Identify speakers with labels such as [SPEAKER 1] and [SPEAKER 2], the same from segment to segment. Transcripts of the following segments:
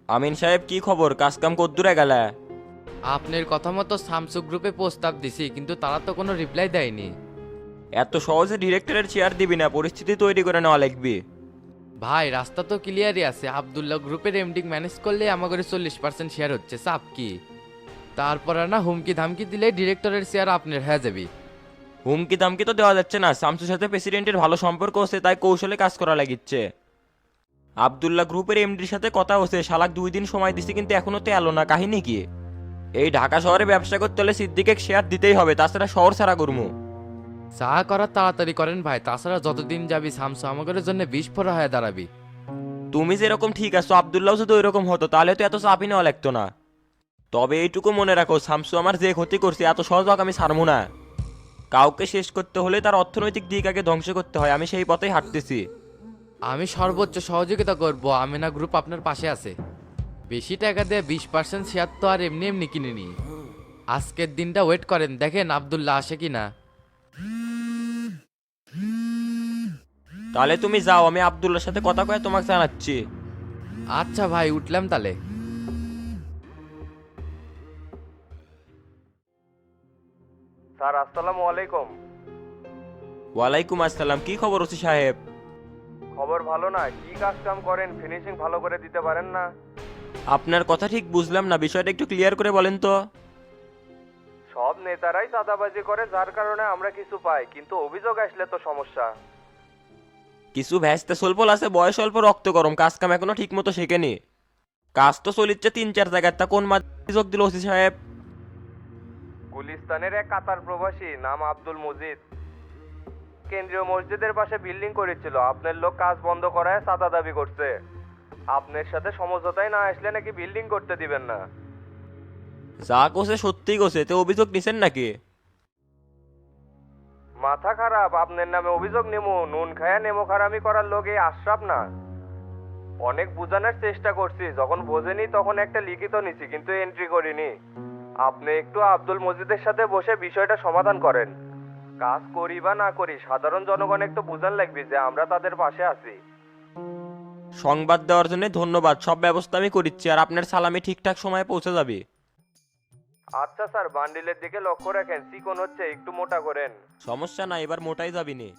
[SPEAKER 1] আমিন সাহেব, কি খবর? কাজকাম কদ্দুরে গেলে?
[SPEAKER 2] আপনার কথা মতো স্যামসুং গ্রুপে প্রস্তাব দিছি, কিন্তু তারা তো কোনো রিপ্লাই দেয়নি।
[SPEAKER 1] এত সহজে ডিরেক্টরের চেয়ার দিবি না, পরিস্থিতি তৈরি করে নেওয়া লাগবে।
[SPEAKER 2] ভাই রাস্তা তো ক্লিয়ারই আছে, আব্দুল্লাহ গ্রুপের এমডি ম্যানেজ করলে আমাদের 40% শেয়ার হচ্ছে, চাপ কি? তারপরে না হুমকি ধামকি দিলে ডিরেক্টরের শেয়ার আপনার হয়ে যাবে।
[SPEAKER 1] হুমকি দামকি তো দেওয়া যাচ্ছে না, শামসুর সাথে প্রেসিডেন্টের ভালো সম্পর্ক আছে, তাই কৌশলে কাজ করা লাগিচ্ছে। আব্দুল্লাহ গ্রুপের এমডির সাথে কথা হচ্ছে, শালাক 2 দিন সময় দিছে, কিন্তু এখনো তো এলো না। কাহিনী কি? এই ঢাকা শহরে ব্যবসা করতে হলে সিদ্দিকে শেয়ার দিতেই হবে, তাছাড়া শহর ছাড়া করবো।
[SPEAKER 2] যা করার তাড়াতাড়ি করেন ভাই, তাছাড়া যতদিন যাবি স্যামসুং আমাদের জন্য বিস্ফোরা হয়ে দাঁড়াবি।
[SPEAKER 1] তুমি যেরকম ঠিক আছো, আব্দুল্লাহ যদি ওইরকম হতো তাহলে তো এত চাপই নেওয়া লাগতো না। তবে এইটুকু মনে রাখো, শামসু আমার যে ক্ষতি করছে এত সহজ হোক আমি ছাড়বো না। কাউকে শেষ করতে হলে তার অর্থনৈতিক দিক আগে ধ্বংস করতে হয়, আমি সেই পথেই হাঁটতেছি।
[SPEAKER 2] আমি সর্বোচ্চ সহযোগিতা করব, আমিনা গ্রুপ আপনার পাশে আছে। বেশি টাকা দিয়ে 20% শেয়ার তো আর এমনি এমনি কিনে নি। আজকের দিনটা ওয়েট করেন, দেখেন আব্দুল্লাহ আসে কি না।
[SPEAKER 1] তাহলে তুমি যাও, আমি আব্দুল্লাহর সাথে কথা কয়ে তোমাকে জানাচ্ছি।
[SPEAKER 2] আচ্ছা ভাই, উঠলাম তাহলে।
[SPEAKER 3] স্যার আসসালামু আলাইকুম।
[SPEAKER 1] ওয়ালাইকুম আসসালাম। কি খবর ওসি সাহেব?
[SPEAKER 3] খবর ভালো না, কি কাজ কাম করেন, ফিনিশিং ভালো করে দিতে পারেন না?
[SPEAKER 1] আপনার কথা ঠিক বুঝলাম না, বিষয়টা একটু ক্লিয়ার করে বলেন তো।
[SPEAKER 3] সব নেতারাই চাঁদাবাজি করে, যার কারণে আমরা কিছু পাই, কিন্তু অভিযোগ আসলে তো সমস্যা।
[SPEAKER 1] কিছু ভ্যাস্তে সল্পল আছে, বয়স অল্প, রক্ত গরম, কাজ কাম এখনো ঠিক মতো শেখেনি। কাজ তো চলিচ্ছে 3-4 জায়গায়, তা কোন যোগ দিল ওসি সাহেব?
[SPEAKER 3] গুলিস্তানের এক কাতার প্রবাসী, নাম আব্দুল মজিদ, কেন্দ্রীয় মসজিদের পাশে বিল্ডিং করেছিল। আপনার লোক কাজ বন্ধ করায় চাঁদা দাবি করছে। আপনার সাথে সমঝোতায় না আসলে নাকি বিল্ডিং করতে দিবেন না।
[SPEAKER 1] যা কোসে সত্যিই কোসে, তো অভিযোগ নিছেন নাকি?
[SPEAKER 3] মাথা খারাপ, আপনার নামে অভিযোগ নেমু? নুন খায়া নেমো খারামি করার লোক এই আশরাফ না। অনেক বোঝানোর চেষ্টা করছি, যখন বোঝেনি তখন একটা লিখিত নিছি, কিন্তু এন্ট্রি করিনি। আপনি একটু আব্দুল মজিদের সাথে বসে বিষয়টা সমাধান করেন। কাজ করি বা না করি, সাধারণ জনগণ একটু বুঝান লাগবে যে আমরা তাদের পাশে আছি।
[SPEAKER 1] সংবাদ দেওয়ার জন্য ধন্যবাদ, সব ব্যবস্থা আমি করিচ্ছি, আর আপনার সালামি ঠিকঠাক সময়ে পৌঁছে যাবে।
[SPEAKER 3] আচ্ছা স্যার, বান্ডিলের দিকে লক্ষ্য রাখেন, চিকন হচ্ছে, একটু মোটা করেন।
[SPEAKER 1] সমস্যা নাই, এবার মোটাই যাবি নে।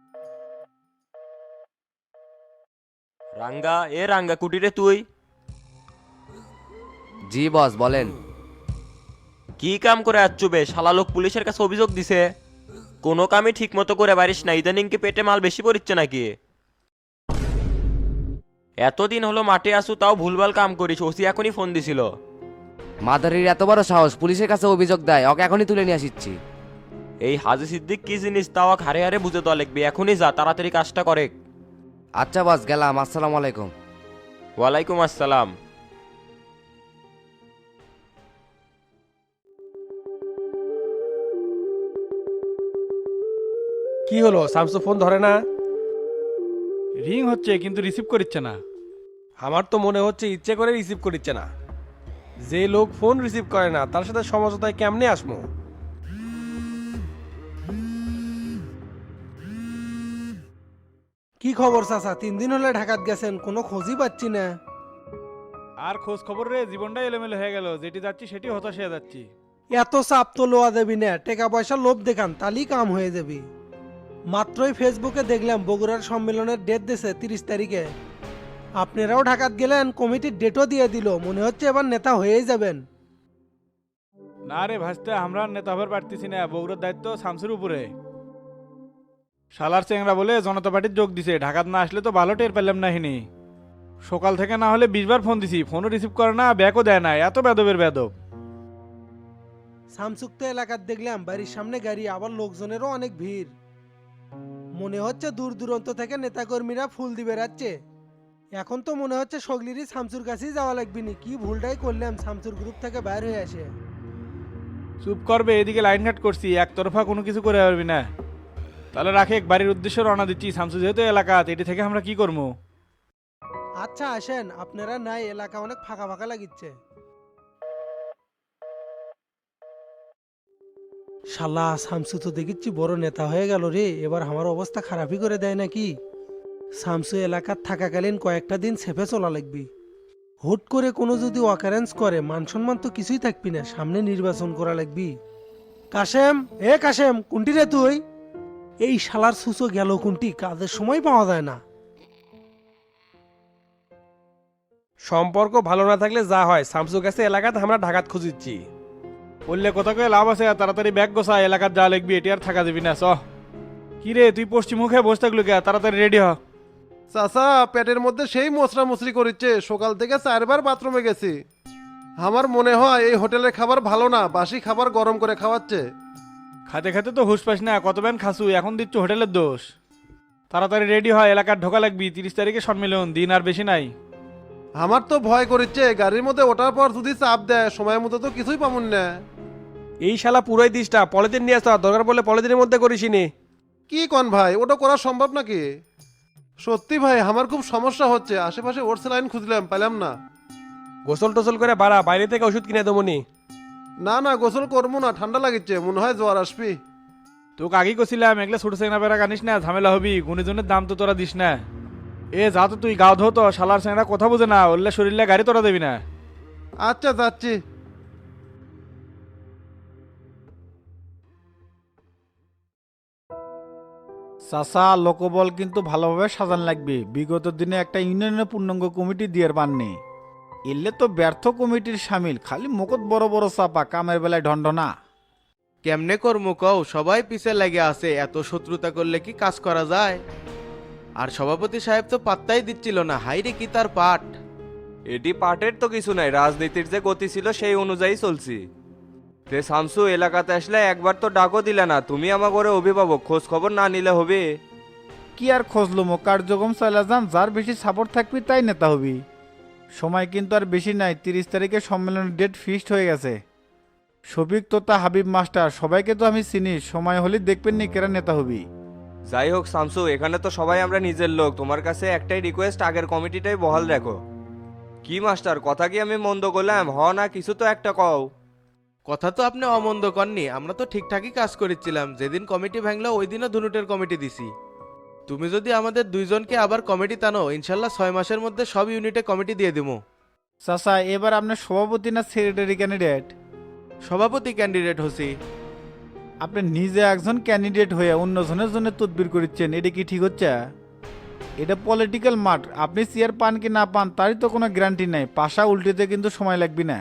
[SPEAKER 1] রাঙ্গা, এ রাঙ্গা কুটিরে তুই
[SPEAKER 2] জি বস বলেন।
[SPEAKER 1] কি কাম করে আচ্ছু বে? শালা লোক পুলিশের কাছে অভিযোগ দিছে, কোনো কামই ঠিক মতো করে পারিস না, ইদানিং কি পেটে মাল বেশি পড়িচ্ছে নাকি? এতদিন হলো মাঠে আসু, তাও ভুলভাল কাম করিস। ওসি এখনই ফোন দিছিল।
[SPEAKER 4] মাদারির এত বড় সাহস পুলিশের কাছে অভিযোগ দেয়, ওকে এখনই তুলে নিয়ে আসিচ্ছি।
[SPEAKER 1] এই হাজি সিদ্দিক কি জিনিস তাও হারে হারে বুঝে দেওয়া লাগবে, এখনই যা, তাড়াতাড়ি কাজটা করে।
[SPEAKER 4] আচ্ছা বস, গেলাম, আসসালামু আলাইকুম।
[SPEAKER 1] ওয়ালাইকুম আসসালাম।
[SPEAKER 5] কি হলো, শামসু ফোন ধরে না?
[SPEAKER 6] রিং হচ্ছে কিন্তু রিসিভ করছে না।
[SPEAKER 5] আমার তো মনে হচ্ছে ইচ্ছে করে রিসিভ করিচ্ছে না। যে লোক ফোন রিসিভ করে না তার সাথে সমঝোতায় কেমনে আসমো? কি খবর চাচা? 3 দিন হলে ঢাকাত গেছেন, কোনো খোঁজই পাচ্ছি না।
[SPEAKER 6] আর খোঁজ খবর রে, জীবনটাই এলোমেলো হয়ে গেল, যেটি যাচ্ছি সেটি হতাশ হয়ে যাচ্ছি।
[SPEAKER 5] এত চাপ তো লোয়া দেবি না, টাকা পয়সা লোভ দেখান, তাহলেই কাম হয়ে যাবি। মাত্রই ফেসবুকে দেখলাম বগুড়ার সম্মেলনের ডেট দিছে 30 তারিখে। আপনারাও ঢাকাত গেলেন, কমিটির ডেটও দিয়ে দিল, মনে হচ্ছে এবার নেতা হয়েই যাবেন।
[SPEAKER 6] না রে ভাসতে, আমরা আর নেতা হবার পারতেছি না, বগুড়ার দায়িত্ব শামসুর উপরে। শালার চেংরা বলে জনতা পার্টির যোগ দিছে, ঢাকাত না আসলে তো ভালো টের পেলাম না হিনি। সকাল থেকে না হলে 20 বার ফোন দিছি, ফোনও রিসিভ করে না, ব্যাকও দেয় না, এত বেদবের বেদব।
[SPEAKER 5] শামসুক্ত এলাকার দেখলাম বাড়ির সামনে গাড়ি, আবার লোকজনেরও অনেক ভিড়। মনে হচ্ছে দূর দূরান্ত থেকে নেতাকর্মীরা ফুল দিবে বেড়াচ্ছে। এখন তো মনে হচ্ছে সগলিরই শামসুর কাছেই যাওয়া লাগবে নি। কি ভুলটাই করলাম, শামসুর গ্রুপ থেকে বাইর হয়ে আসে।
[SPEAKER 6] চুপ করবে, এদিকে লাইন ঘাট করছি, একতরফা কোনো কিছু করে পারবি না। তাহলে রাখে, বাড়ির উদ্দেশ্যে রওনা দিচ্ছি, শামসু যেহেতু এলাকা, এটি থেকে আমরা কি করবো?
[SPEAKER 5] আচ্ছা আসেন, আপনারা নাই, এলাকা অনেক ফাঁকা ফাঁকা লাগিচ্ছে। শালা শামসু তো দেখিচ্ছি বড় নেতা হয়ে গেল রে, এবার আমার অবস্থা খারাপই করে দেয় নাকি? শামসু এলাকার থাকাকালীন কয়েকটা দিন সেফে চলা লাগবে। হুট করে কোনো যদি অকারেন্স করে মান সম্মান তো কিছুই থাকবি না, সামনে নির্বাচন করা লাগবি। কাশেম, এ কাশেম, কোনটি রে তুই? এই শালার সুসো গেল কোনটি, কাজের সময় পাওয়া যায় না।
[SPEAKER 7] সম্পর্ক ভালো না থাকলে যা হয়, শামসুর কাছে এলাকাতে আমরা ঢাকাত খুঁজিচ্ছি।
[SPEAKER 6] বললে কথা কয়ে লাভ আছে, তাড়াতাড়ি ব্যাগ গোছা, এলাকার যা লিখবি এটি আর থাকা যাবি না। কি রে তুই পশ্চিম মুখে বসে থাকলো কে? তাড়াতাড়ি রেডি হ।
[SPEAKER 8] চাচা পেটের মধ্যে সেই মশরা মুসরি করিচ্ছে, সকাল থেকে 4বার বাথরুমে গেছি। আমার মনে হয় এই হোটেলের খাবার ভালো না, বাসি খাবার গরম করে খাওয়াচ্ছে।
[SPEAKER 6] খাতে খাতে তো হুশ পাস না, কত ব্যান খাসু, এখন দিচ্ছ হোটেলের দোষ। তাড়াতাড়ি রেডি হয়, এলাকার ঢোকা লাগবি, 30 তারিখে সম্মেলন, দিন আর বেশি নাই।
[SPEAKER 8] আমার তো ভয় করিচ্ছে, গাড়ির মধ্যে ওঠার পর যদি চাপ দেয় সময় মতো তো কিছুই পামুন না।
[SPEAKER 7] এই শালা পুরোই দিসটা, পলিথিন নিয়ে আসতে দরকার পড়লে পলিথিনের মধ্যে করিসনি।
[SPEAKER 8] কি কন ভাই, ওটা করা সম্ভব নাকি? সত্যি ভাই আমার খুব সমস্যা হচ্ছে, আশেপাশে ওর লাইন খুঁজলাম পেলাম না।
[SPEAKER 7] গোসল টোসল করে বাড়া, বাইরে থেকে ওষুধ কিনে দেবনি।
[SPEAKER 8] না না গোসল করবো না, ঠান্ডা লাগিচ্ছে, মনে হয় জ্বর আসবি।
[SPEAKER 6] তোকে আগেই কছিলাম এগুলো ছোট সেনা বেড়া কানিস না, ঝামেলা হবি, গুণিজনের দাম তো তোরা দিস না। এ যা তো তুই গাও ধো তো, শালার সেনা কথা বুঝে না, ওরলে শরীরে গাড়ি তোরা দেবি না।
[SPEAKER 8] আচ্ছা যাচ্ছি।
[SPEAKER 9] চাচা লোকবল কিন্তু ভালোভাবে সাজান লাগবে, বিগত দিনে একটা ইউনিয়নের পূর্ণাঙ্গ কমিটি দিয়ে পাননি। এলে তো ব্যর্থ কমিটির সামিল, খালি মুখত বড় বড় চাপা, কামের বেলায় ঢন্ডনা।
[SPEAKER 2] কেমনে করবো কও, সবাই পিছে লেগে আছে, এত শত্রুতা করলে কি কাজ করা যায়? আর সভাপতি সাহেব তো পাত্তাই দিচ্ছিল না, হাইরে কি তার পাঠ।
[SPEAKER 3] এটি পার্টের তো কিছু নাই, রাজনীতির যে গতি ছিল সেই অনুযায়ী চলছি। তে শামসু, এলাকাতে আসলে একবার তো ডাকও দিলে না, তুমি আমার ঘরে অভিভাবক, খোঁজ খবর না নিলে হবে?
[SPEAKER 9] কি আর খোঁজলো মো, কার্যক্রম চালা যান, যার বেশি সাপোর্ট থাকবি তাই নেতা হবি। সময় কিন্তু আর বেশি নাই, 30 তারিখে সম্মেলনের ডেট ফিক্সড হয়ে গেছে। শফিক তোতা হাবিব মাস্টার সবাইকে তো আমি চিনি, সময় হলে দেখবেন নি কেরা নেতা হবি।
[SPEAKER 3] যাই হোক শামসু, এখানে তো সবাই আমরা নিজের লোক, তোমার কাছে একটাই রিকোয়েস্ট, আগের কমিটিটাই বহাল রাখো। কি মাস্টার, কথা কি আমি মন্দ করলাম? হ না কিছু তো একটা কও।
[SPEAKER 2] কথা তো আপনি অমন্দ করনি, আমরা তো ঠিকঠাকই কাজ করেছিলাম, যেদিন কমিটি ভাঙলো ওই দিনও ধুনুটের কমিটি দিছি। তুমি যদি আমাদের দুইজনকে আবার কমিটি টানো, ইনশাল্লাহ 6 মাসের মধ্যে সব ইউনিটে কমিটি দিয়ে দিব।
[SPEAKER 9] চাচা এবার আপনার সভাপতি না সেক্রেটারি ক্যান্ডিডেট?
[SPEAKER 2] সভাপতি ক্যান্ডিডেট হছি।
[SPEAKER 9] আপনি নিজে একজন ক্যান্ডিডেট হয়ে অন্যজনের জন্য তদবির করছেন, এটা কি ঠিক হচ্ছে? এটা পলিটিক্যাল মাঠ, আপনি চেয়ার পান কি না পান তারই তো কোনো গ্যারান্টি নাই, পাশা উল্টিতে কিন্তু সময় লাগবে না।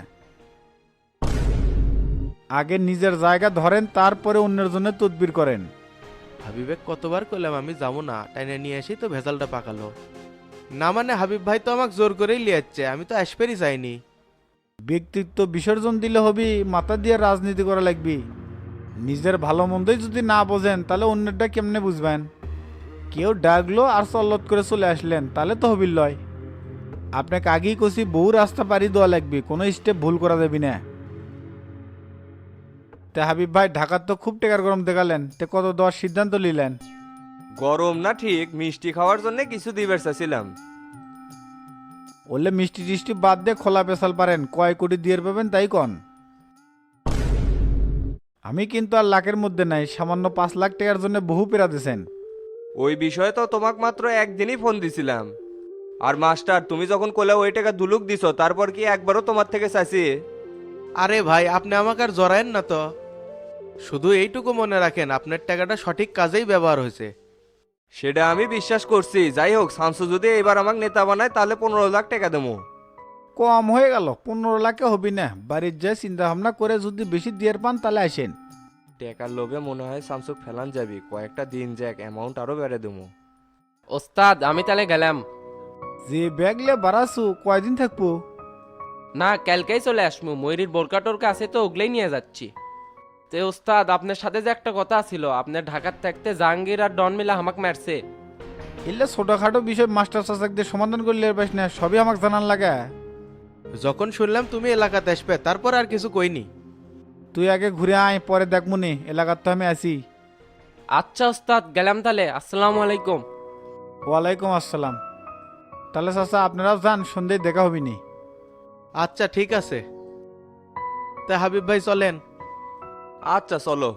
[SPEAKER 9] আগে নিজের জায়গা ধরেন, তারপরে অন্যের জন্য তদবির করেন।
[SPEAKER 2] হাবিবেক কতবার করলাম আমি যাবো না, টাইনে নিয়ে এসেই তো ভেজালটা পাকালো। না মানে হাবিব ভাই তো আমাকে জোর করেই লিয়াচ্ছে, আমি তো আসবেরই চাইনি।
[SPEAKER 9] ব্যক্তিত্ব বিসর্জন দিলে হবি, মাথা দিয়ে রাজনীতি করা লাগবে। নিজের ভালো মন্দই যদি না বোঝেন তাহলে অন্যেরটা কেমনে বুঝবেন? কেউ ডাকলো আর চল্লত করে চলে আসলেন, তাহলে তো হবির লয়। আপনাকে আগেই কছি বহু রাস্তা পাড়ি দেওয়া লাগবে, কোনো স্টেপ ভুল করা যাবি না। তে হাবিব ভাই ঢাকার তো খুব টেকার গরম দেখালেন, তে কত দেওয়ার সিদ্ধান্ত নিলেন?
[SPEAKER 3] গরম না ঠিক, মিষ্টি খাওয়ার জন্য কিছু দিবার চাইছিলাম।
[SPEAKER 9] বললে মিষ্টি টিষ্টি বাদ দিয়ে খোলা পেশাল পারেন, কয় কোটি দিয়ে পাবেন তাই কন। আমি কিন্তু আর লাখের মধ্যে নাই, সামান্য 5 লাখ টাকার জন্য বহু পেরা দিয়েছেন।
[SPEAKER 3] ওই বিষয়ে তো তোমাকে মাত্র একদিনই ফোন দিছিলাম। আর মাস্টার, তুমি যখন কোলে ওই টাকা দুলুক দিছো, তারপর কি একবারও তোমার থেকে চাইছি?
[SPEAKER 2] আরে ভাই আপনি আমাকে আর জড়ায়েন না তো, শুধু এইটুকু মনে রাখেন আপনার টাকাটা সঠিক কাজেই ব্যবহার হয়েছে।
[SPEAKER 3] সেটা আমি বিশ্বাস করছি। যাই হোক, শামসু যদি এবার আমাকে নেতা বানায় তাহলে 15 লাখ টাকা দেবো।
[SPEAKER 9] কম হয়ে গেল, 15 লাখে হবি না, বাড়ির যে চিন্তা ভাবনা করে যদি বেশি দিয়ে পান তাহলে আসেন।
[SPEAKER 3] টাকার লোভে মনে হয় শামসুক ফেলান যাবি, কয়েকটা দিন যাক, অ্যামাউন্ট আরো বেড়ে দেবো।
[SPEAKER 1] ওস্তাদ আমি তাহলে গেলাম।
[SPEAKER 9] যে ব্যাগলে বাড়াছু কয়দিন থাকবো?
[SPEAKER 1] না, কালকেই চলে আসবো, ময়ূরীর বোরকা টোরকা আছে তো ওগুলোই নিয়ে যাচ্ছি। তে ওস্তাদ, আপনার সাথে যে একটা কথা ছিল, আপনার ঢাকার থাকতে জাহাঙ্গীর আর ডন মিলা হামাক মারছে।
[SPEAKER 9] এলে ছোটখাটো বিষয় মাস্টার চাচাকদের সমাধান করলে এর পাস না, সবই আমাকে জানান লাগে।
[SPEAKER 2] যখন শুনলাম তুমি এলাকাতে আসবে তারপর আর কিছু কইনি।
[SPEAKER 9] তুই আগে ঘুরে আয়, পরে দেখমুনি, এলাকার তো আমি আছি।
[SPEAKER 1] আচ্ছা ওস্তাদ, গেলাম তাহলে, আসসালামু আলাইকুম।
[SPEAKER 9] ওয়ালাইকুম আসসালাম। তাহলে চাচা আপনারাও যান, সন্ধ্যায় দেখা হবিনি।
[SPEAKER 2] আচ্ছা ঠিক আছে, তা হাবিব ভাই চলেন।
[SPEAKER 3] আচ্ছা চলো।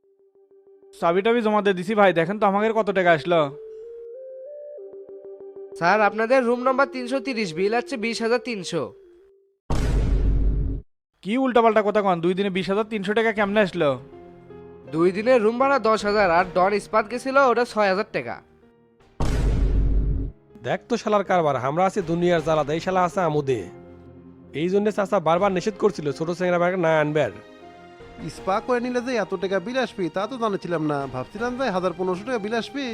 [SPEAKER 6] চাবি টাবি জমা দিয়ে দিছি ভাই, দেখেন তো আমাদের কত টাকা আসলো।
[SPEAKER 4] স্যার আপনাদের রুম নাম্বার 330, বিল আছে 20,300।
[SPEAKER 6] কি উল্টাপাল্টা কথা কন, 2 দিনে 20,300 টাকা কেমনে আসলো?
[SPEAKER 4] 2 দিনের রুম ভাড়া 10,000, আর ডন ইস্পাত গেছিল ওটা 6,000 টাকা।
[SPEAKER 7] দেখ তো শালার কারবার, আমরা আছি দুনিয়ার জ্বালাতে, এই শালা আছে আমুদে। এই জন্য চাচা বারবার নিষেধ করছিল ছোট চেংরা ব্যাগ না আনবার।
[SPEAKER 8] স্পা করে নিলে যে এত টাকা বিল আসবি তা তো জানাছিলাম না, ভাবছিলাম যে 1,500 টাকা বিল আসবি।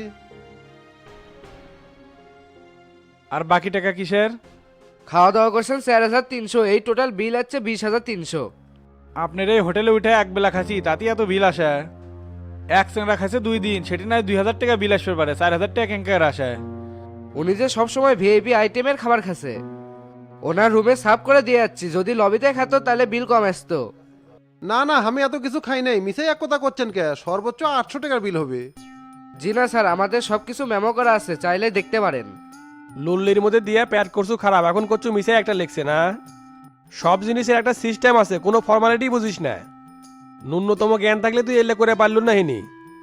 [SPEAKER 6] আর বাকি টাকা কিসের?
[SPEAKER 4] খাওয়া দাওয়া করছেন 4,300, এই টোটাল বিল আছে 20,300।
[SPEAKER 6] আপনার এই হোটেলে উঠে এক বেলা খাচ্ছি তাতে এত বিল আসে? এক চেংরা খাইছে 2 দিন, সেটি নয় 2,000 টাকা বিল আসবে পারে, 4,000 টাকা কেঙ্কার আসে?
[SPEAKER 4] উনি যে সবসময় ভিআইপি আইটেমের খাবার খাচ্ছে, ওনার রুমে সাফ করে দিয়ে যাচ্ছি, যদি লবিতে খাতো তাহলে বিল কম আসতো।
[SPEAKER 8] না না, আমি এত কিছু খাই নাই, মিশে এক কথা করছেন কে? সর্বোচ্চ 800 টাকার বিল হবে।
[SPEAKER 4] জি না স্যার, আমাদের সবকিছু মেমো করা আছে, চাইলে দেখতে পারেন।
[SPEAKER 7] লুল্লির মধ্যে দিয়ে প্যাড করছু খারাপ, এখন করছু মিশে একটা লেখছে না। সব জিনিসের একটা সিস্টেম আছে, কোনো ফর্মালিটি বুঝিস না। ন্যূনতম জ্ঞান থাকলে তুই এলে করে পারলু না হিনি।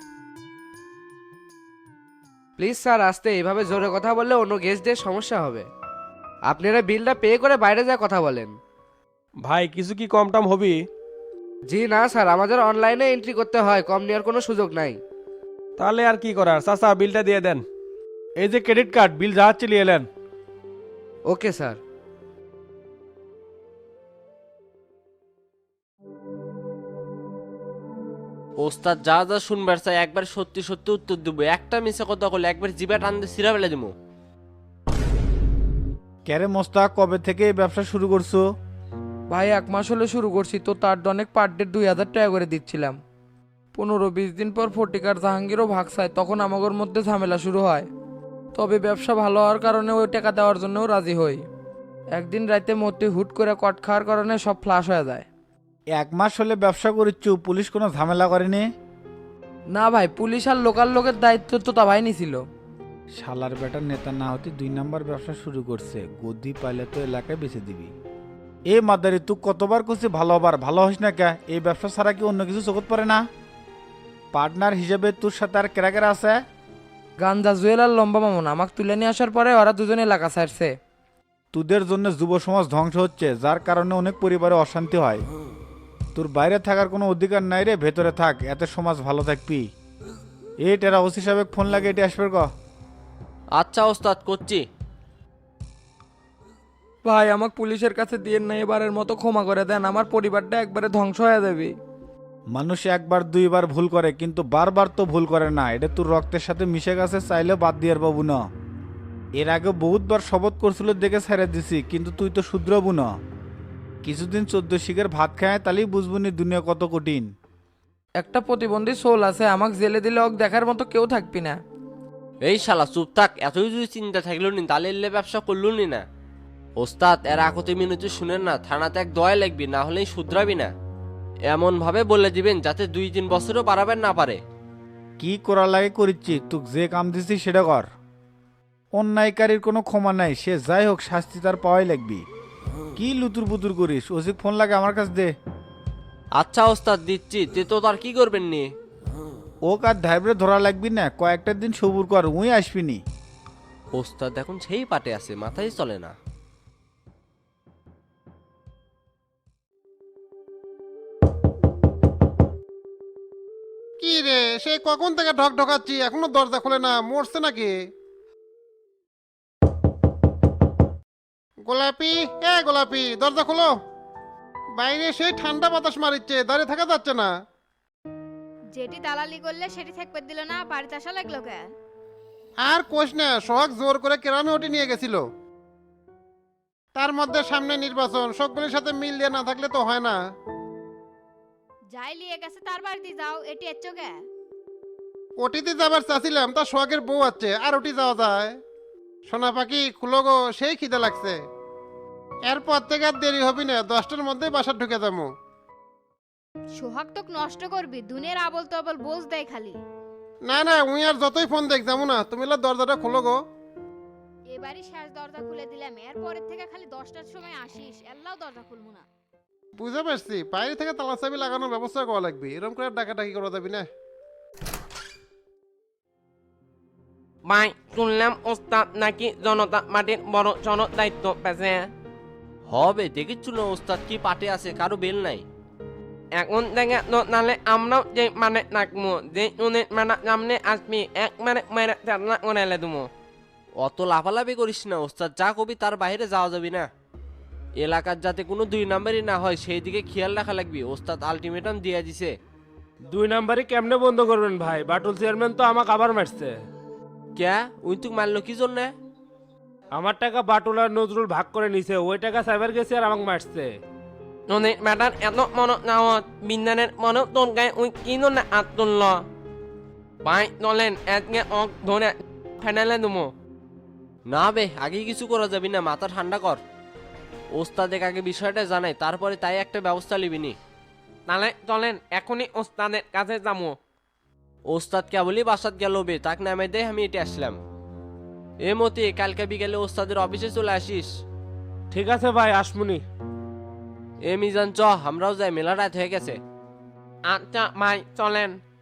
[SPEAKER 4] প্লিজ স্যার আসতে, এইভাবে জোরে কথা বললে অন্য গেস্টদের সমস্যা হবে। আপনারা বিলটা পে করে বাইরে যা কথা বলেন।
[SPEAKER 7] ভাই কিছু কি কম টম হবি?
[SPEAKER 4] জি না স্যার, আমাদের অনলাইনে এন্ট্রি করতে হয়, কম নেওয়ার কোনো সুযোগ নাই।
[SPEAKER 7] তাহলে আর কি করার, চাচা বিলটা দিয়ে দেন।
[SPEAKER 6] এই যে ক্রেডিট কার্ড, বিল যা চলিয়ে এলেন।
[SPEAKER 4] Okay sir.
[SPEAKER 10] ওস্তাদ যা যা শুনবার চাই একবার সত্যি সত্যি উত্তর দেবো, একটা মিশে কথা বলে একবার জিবা টান দিয়ে সিরা ফেলে দেবো।
[SPEAKER 9] ক্যারে মোস্তাক, কবে থেকে এই ব্যবসা শুরু করছো?
[SPEAKER 11] ভাই 1 মাস হলে শুরু করছি, তো তার অনেক পার ডে 2,000 টাকা করে দিচ্ছিলাম। 15-20 দিন পর ফটিকার জাহাঙ্গীরও ভাগ চায়, তখন আমাদের মধ্যে ঝামেলা শুরু হয়। তবে ব্যবসা ভালো হওয়ার কারণে ওই টাকা দেওয়ার জন্যও রাজি হই। একদিন রাতে মতি হুট করে কট খাওয়ার কারণে সব ফ্লাশ হয়ে যায়।
[SPEAKER 9] 1 মাস হলে ব্যবসা করিচ্ছু, পুলিশ কোনো ঝামেলা করেনি?
[SPEAKER 11] না ভাই, পুলিশ আর লোকাল লোকের দায়িত্ব তো তা ভাই নিছিল।
[SPEAKER 9] শালার বেটার নেতা না হতে 2 নাম্বার ব্যবসা শুরু করছে, গদি পাইলে তো এলাকায় বেঁচে দিবি। এ মাদারি, তুই কতবার করছিস ভালো হবার, ভালো হস না কে? এই ব্যবসা ছাড়া কি অন্য কিছু চোখত পারে না? পার্টনার হিসেবে তোর সাথে আর কেরা কেরা আছে?
[SPEAKER 11] গান্দা জুয়েল আর লম্বা মামুন আমাকে তুলে নিয়ে আসার পরে ওরা দুজনে এলাকা ছাড়ছে।
[SPEAKER 9] তোদের জন্য যুব সমাজ ধ্বংস হচ্ছে, যার কারণে অনেক পরিবারে অশান্তি হয়। তোর বাইরে থাকার কোনো অধিকার নাই রে, ভেতরে থাক, এতে সমাজ ভালো থাকবি। এই টেরা ওসি সাহেব ফোন লাগে, এটি আসবে ক।
[SPEAKER 10] আচ্ছা ওস্তাদ করছি।
[SPEAKER 11] ভাই আমাকে পুলিশের কাছে দিয়ে না, এবারের মতো ক্ষমা করে দেন, আমার পরিবারটা একবারে ধ্বংস হয়ে যাবে।
[SPEAKER 9] মানুষ একবার দুইবার ভুল করে, কিন্তু বারবার তো ভুল করে না। এটা তোর রক্তের সাথে মিশে গেছে, চাইলে বাদ দিয়ে পাবো না। এর আগে বহুতবার শপথ করছিল দেখে ছেড়ে দিছি, কিন্তু তুই তো শুধরাবু না। কিছুদিন 14 শিখের ভাত খায়, তাহলেই বুঝবুনি দুনিয়া কত কঠিন।
[SPEAKER 11] একটা প্রতিবন্ধী সোল আছে, আমাকে জেলে দিলে ওকে দেখার মতো কেউ থাকবি না।
[SPEAKER 10] এই শালা চুপ থাক, এতই যদি চিন্তা থাকলো নি তাহলে এলে ব্যবসা করলো নি না। ওস্তাদ এর আকতি মিনতি শুনেন না, থানাতে এক দয়া লাগবি, না হলেই শুধরাবি না। এমন ভাবে বলে দিবেন যাতে 2-3 বছরও পারাবেন না পারে।
[SPEAKER 9] কি করা লাগে করিচ্ছি, তুই যে কাম দিছি সেটা কর। অন্যায়কারীর কোনো ক্ষমা নাই, সে যাই হোক শাস্তি তার পাওয়াই লাগবি। কি লুতুর পুতুর করিস? ওসিক ফোন লাগে আমার কাছে দে।
[SPEAKER 10] আচ্ছা ওস্তাদ দিচ্ছি, তে তো তার কি করবেন নি?
[SPEAKER 9] ও কার ধাইবরে ধরা লাগবি না, কয়েকটা দিন সবুর কর, উই আসবিনি।
[SPEAKER 10] ওস্তাদ এখন সেই পাটে আছে, মাথায় চলে না।
[SPEAKER 8] কি রে, সেই কখন থেকে ঢক ঢকাচ্ছি, এখনো দরজা খোলে না, মরছে নাকি? গোলাপি, এ গোলাপি, দরজা খোলো। বাইরে সেই ঠান্ডা বাতাস মারিচ্ছে, দাঁড়িয়ে থাকা যাচ্ছে না।
[SPEAKER 12] যেটি দালালি করলে সেটি থাকবে দিল না, বাড়িতে আসা লাগলো কে?
[SPEAKER 8] আর কোষ না, সোহাগ জোর করে কেরানি ওটি নিয়ে গেছিল। তার মধ্যে সামনে নির্বাচন, সকলের সাথে মিল দিয়ে না থাকলে তো হয় না।
[SPEAKER 12] যাই লিয়ে গেছে তার বাড়িতে যাও, এটি এচ্ছো কে?
[SPEAKER 8] ওটিতে যাবার চাচ্ছিলাম, তা সোহাগের বউ আছে, আর ওটি যাওয়া যায়? সোনা পাখি খুলো গো, সেই খিদে লাগছে। এরপর থেকে আর দেরি হবি না, 10টার মধ্যেই বাসা ঢুকে যাবো।
[SPEAKER 12] সোহাগ তোকে নষ্ট করবি, দুনিয়ার আবল তবল বোঝ দেয় খালি।
[SPEAKER 8] না না, উই আর যতই ফোন দেখ যাবো না, তুমি দরজাটা খোলো গো।
[SPEAKER 12] এবারই শেষ দরজা খুলে দিলাম, এর পরের থেকে খালি 10টার সময় আসিস, এল্লাও দরজা খুলবো না।
[SPEAKER 8] বুঝতে পারছি, বাইরে থেকে তালা চাবি লাগানোর ব্যবস্থা করা লাগবে, এরকম করে ডাকাডাকি করা যাবি না।
[SPEAKER 10] ভাই শুনলাম ওস্তাদ নাকি জনতা মাটির বড় সড় দায়িত্ব পেছে। হবে দেখিচ্ছু না ওস্তাদ কি পাটে আছে, কারো বেল নাই। এখন থেকে তো নালে আমরাও যে মানে নাকমু যে উনি মানে সামনে আসবি এক মানে মেরে চালনা করে তুমি। অত লাফালাফি করিস না ওস্তাদ, যা কবি তার বাইরে যাওয়া যাবি না। এলাকার যাতে কোনো 2 নাম্বারই না হয় সেই দিকে খেয়াল রাখা লাগবে। ওস্তাদ আলটিমেটাম দিয়ে দিছে।
[SPEAKER 7] 2 নাম্বারই কেমনে বন্ধ করবেন ভাই? বাটুল চেয়ারম্যান তো আমাকে আবার মারছে।
[SPEAKER 10] ক্যা উই তুক মারলো কি জন্য?
[SPEAKER 7] আমার টাকা বাটুল আর নজরুল ভাগ করে নিছে, ওই টাকা সাইবার গেছে আর আমাকে মারছে।
[SPEAKER 10] ননে ম্যাটার এত মন নাওত বিন্দানের মন তোর গায়ে উই কি না আত তুলল। ভাই চলেন এতকে অক ধরে ফেনালে দুমো। না বে আগে কিছু করা যাবি না, মাথা ঠান্ডা কর। ওস্তাদের আগে বিষয়টা জানাই, তারপরে তাই একটা ব্যবস্থা নিবিনি। তাহলে চলেন এখনই ওস্তাদের কাছে যাবো। ওস্তাদ কেবলই বাসাত গেল বে, তাক নামে দেয় আমি এটা আসলাম। এ মতি কালকে বিকেলে ওস্তাদের অফিসে চলে আসিস।
[SPEAKER 7] ঠিক আছে ভাই, আসমুনি।
[SPEAKER 10] এ মিজান চ আমরাও যাই, মেলা রাত হয়ে গেছে। আচ্ছা ভাই চলেন।